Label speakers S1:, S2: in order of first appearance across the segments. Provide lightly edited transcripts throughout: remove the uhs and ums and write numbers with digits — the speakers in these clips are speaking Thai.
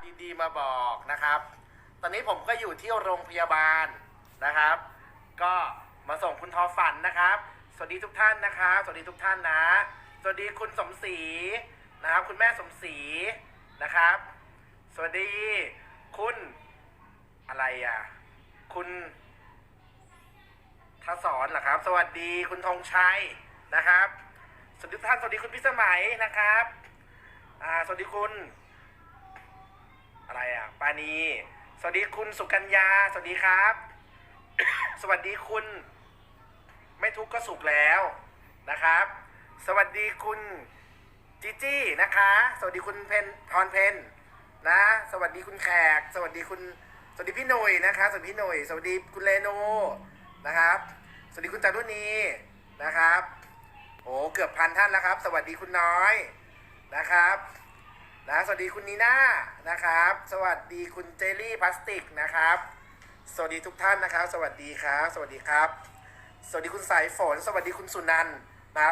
S1: ดีๆมาบอกนะครับ ตอนนี้ผมก็อยู่ที่โรงพยาบาลนะครับ ก็มาส่งคุณทอฝันนะครับสวัสดีทุกท่านนะครับสวัสดีทุกท่านนะสวัสดีคุณสมศรีนะครับคุณแม่สมศรีนะครับสวัสดีคุณอะไรอ่ะคุณทศรเหรอครับสวัสดีคุณธงชัยนะครับสวัสดีทุกท่านสวัสดีคุณพิสมัยนะครับสวัสดีคุณอะไรอ่ะปานีสวัสดีคุณสุกัญญาสวัสดีครับ สวัสดีคุณไม่ทุกข์ก็สุขแล้วนะครับสวัสดีคุณจีจี้นะคะสวัสดีคุณเพนพรเพนนะสวัสดีคุณแขกสวัสดีคุณสวัสดีพี่หนุ่ยนะคะสวัสดีพี่หนุ่ยสวัสดีคุณเลโนนะครับสวัสดีคุณจารุณีนะครับโอ้เกือบ1,000 ท่านแล้วครับสวัสดีคุณน้อยนะครับนะสวัสดีคุณนีน่านะครับสวัสดีคุณเจลลี่พลาสติกนะครับสวัสดีทุกท่านนะครับสวัสดีครับสวัสดีครับสวัสดีคุณสายฝนสวัสดีคุณสุนันท์นะครับ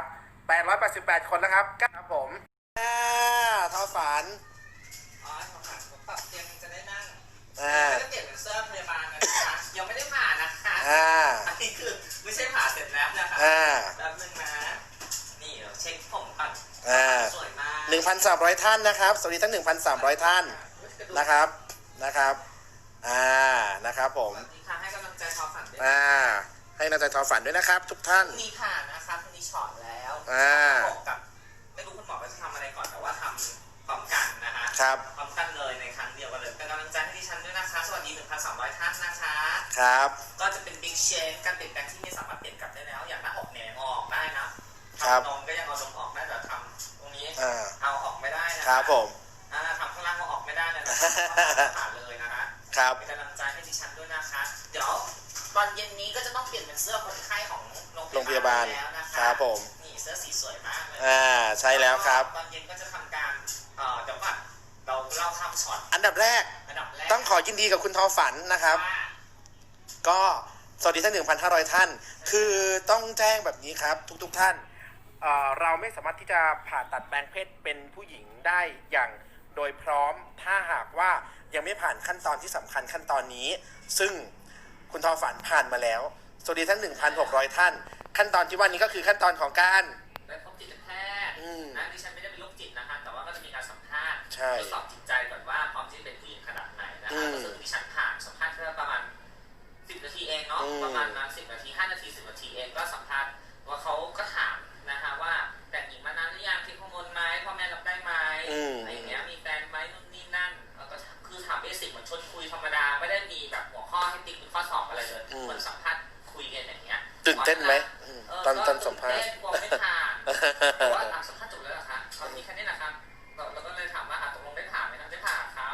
S1: 888 คนแล้วครับครับผมทอฝัน
S2: อ๋อผมปรับเตียงจะได้นั่งไม่ได้เปลี่ยนเป็นเสื้อพยาบาลนะคะยังไม่ได้ผ่านะคะอันนี้คือไม่ใช่ผ่าเสร็จแล้วนะคะแป๊บนึงนะนี่เราเช็คผมก่อนสวยมาก
S1: 1,300 ท่านนะครับสวัสดีทั้ง 1,300 ท่านนะครับนะครับนะครับผม
S2: ให้กำลังใจทอฝันด้วย
S1: ให้กำลังใจทอฝันด้วยนะครับทุกท่าน
S2: มีผ่านะคะพรุ่งนี้ช็อตแล้วกับไม่รู้คุณหมอจะทำอะไรก่อนแต่ว่าทำพร้อมกันนะคะ
S1: ครับ
S2: พร้อมกันเลยในครั้งเดียวกันเลยเป็นกำลังใจให้ดิฉันด้วยนะคะสวัสดี 1,300 ท่านนะคะ
S1: ครับ
S2: ก็จะเป็นบิ๊กเชนการเปลี่ยนแปลงที่ไม่สามารถเปลี่ยนกลับได้แล้วอย่างหน้าอกเนี่ยออกได้นะทำนมก็ยังเอานมออกได้แต่ทำตรงนี้เอาออกไม่ได้นะครับ
S1: ผม
S2: ทำข้างล่างเอาออกไม่ได้เลยนะผ่านเลยนะคะ
S1: ครับ
S2: เป็นกำลังใจให้ดิฉันด้วยนะคะเดี๋ยวตอนเย็นนี้ก็จะต้องเปลี่ยนเป็นเสื้อคนไข้ของโรงพยาบาลแล้วนะคะ
S1: ครับผม
S2: นี่เสื้อสีสวยมากเลย
S1: ใช่แล้วครับ
S2: ตอนเย็นก็จะทำการเดี๋ยวก่อนเราทำช็อต
S1: อันดับแรกต้องขอยินดีกับคุณทอฝันนะครับก็สวัสดีทั้ง 1,500 ท่านคือต้องแจ้งแบบนี้ครับทุกท่านเราไม่สามารถที่จะผ่าตัดแปลงเพศเป็นผู้หญิงได้อย่างโดยพร้อมถ้าหากว่ายังไม่ผ่านขั้นตอนที่สำคัญขั้นตอนนี้ซึ่งคุณทอฝันผ่านมาแล้วสวัสดีทั้ง 1,600 ท่านขั้นตอนที่ว่านี้ก็คือขั้นตอนของการ
S2: ได้พบจิตแพทย์นะดิฉันไม่ได้เป็นโรคจิตนะคะแต่ว่าก็จะมีการสัมภาษณ์ทดสอบจิตใจก่อนว่าพร้อมที่จะเป็นผู้หญิงขนาดไหนนะคะซึ่งดิฉันผ่านสัมภาษณ์แค่ประมาณ10 นาทีเองเนาะประมาณนั้น10 นาที5 นาที10 นาทีเองก็สัมภาษณ์ว่าเขาก็ถามนะคะว่าแต่งหญิงมานานหรือยังทิ้งฮอร์โมนไหมพ่อแม่รับได้ไหมอะไรอย่างเงี้ยมีแฟนไหมนู่นนี่นั่นแล้วก็คือถามเบสิกเหมือนชวนคุยธรรมดาไม่ได้มีแบบหัวข้อให้ติ๊กเป็นข้อสอบอะไรเลยเหมือนสัมภาษณ์คุยกันอย่างเงี้ย
S1: ตื่นเต้นไหมตอนสัมภาษณ์
S2: กลัวไม่ผ่านว่าสัมภาษณ์จบแล้วเหรอคะตอนนี้แค่นี้นะครับเราก็เลยถามว่าตกลงได้ผ่านไหมครับได้ผ่านครับ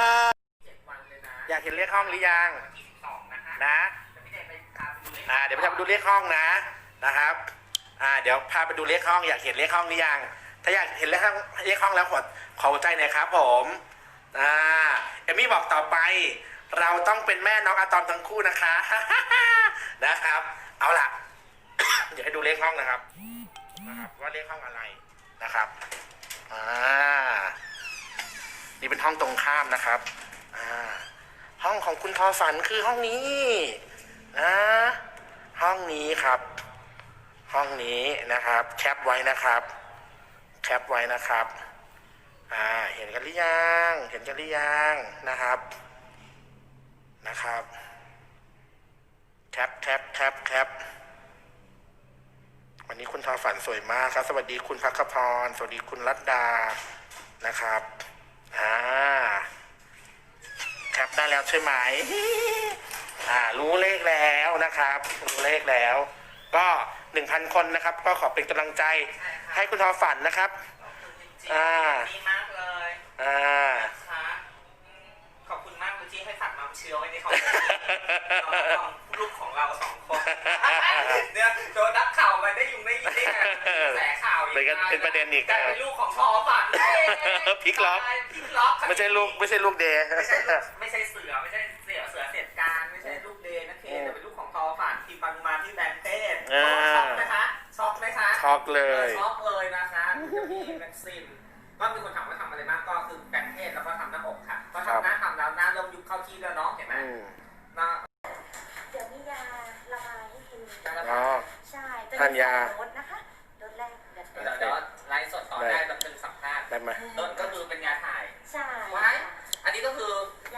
S2: 7 วันเลยนะ
S1: อยากเห็นเลขห้องหรือยังนะเดี๋ยวไปดูเลขห้องนะครับเดี๋ยวพาไปดูเลขห้องอยากเห็นเลขห้องหรือยังถ้าอยากเห็นเลขห้องแล้วขอหัวใจหน่อยครับผมเอมมี่บอกต่อไปเราต้องเป็นแม่น้องอะตอมทั้งคู่นะคะนะครับเอาล่ะ เดี๋ยวให้ดูเลขห้องนะครับว่าเลขห้องอะไรนะครับนี่เป็นห้องตรงข้ามนะครับห้องของคุณทอฝันคือห้องนี้ห้องนี้ครับห้องนี้นะครับแคปไว้นะครับเห็นกันหรือยังนะครับแคปวันนี้คุณทอฝันสวยมากครับสวัสดีคุณภัคพรสวัสดีคุณรัตดานะครับแคปได้แล้วใช่ไหมรู้เลขแล้วนะครับรู้เลขแล้วก็ 1,000 คนนะครับก็ขอเป็นกำลังใจให้คุณทอฝันนะครับ
S2: ดีมากเลยขอบคุณมากเลยที่ให้ฝากน้ำเชื้อไว้ในคอมเมนต์ลูกของเรา2 คนเนี่ยโดนนักข่าวมาได้ได้ยินได้ไงแสข่าว
S1: เป็นประเด็นอีก
S2: แต่เป็นลูกของทอฝัน
S1: พลิกล็อกไม่ใช่ลูกเดย์
S2: ไม่ใช่เสือไม่ใช่เสียการไม่ใช่ลูกเดย์นะเคแต่เป็นลูกของทอฝันที่ปังมาที่แบงค์เทศช็อกไหมคะ
S1: ช็อกเลย
S2: นะคะมีแม็กซิมก็มีคนถามว่าทำอะไรบ้างก็คือแบงค์เทศแล้วก็ทำหน้าอกค่ะก็ทำที่แล้วเนาะเห็นไหมนะ
S3: เดี๋ยวมียาละลายให้กิน
S1: อ๋อ
S3: ใช่
S1: ทานยา
S3: โดสนะคะโดสแรกเดี๋ยว
S2: เดี๋ยวไลฟ์สดต่อได้แบบเป็นสัมภาษณ์
S1: ได้ไหม
S2: โดนก็คือเป็นยาถ่าย
S3: ใช่
S2: ไว้อันนี้ก็คือ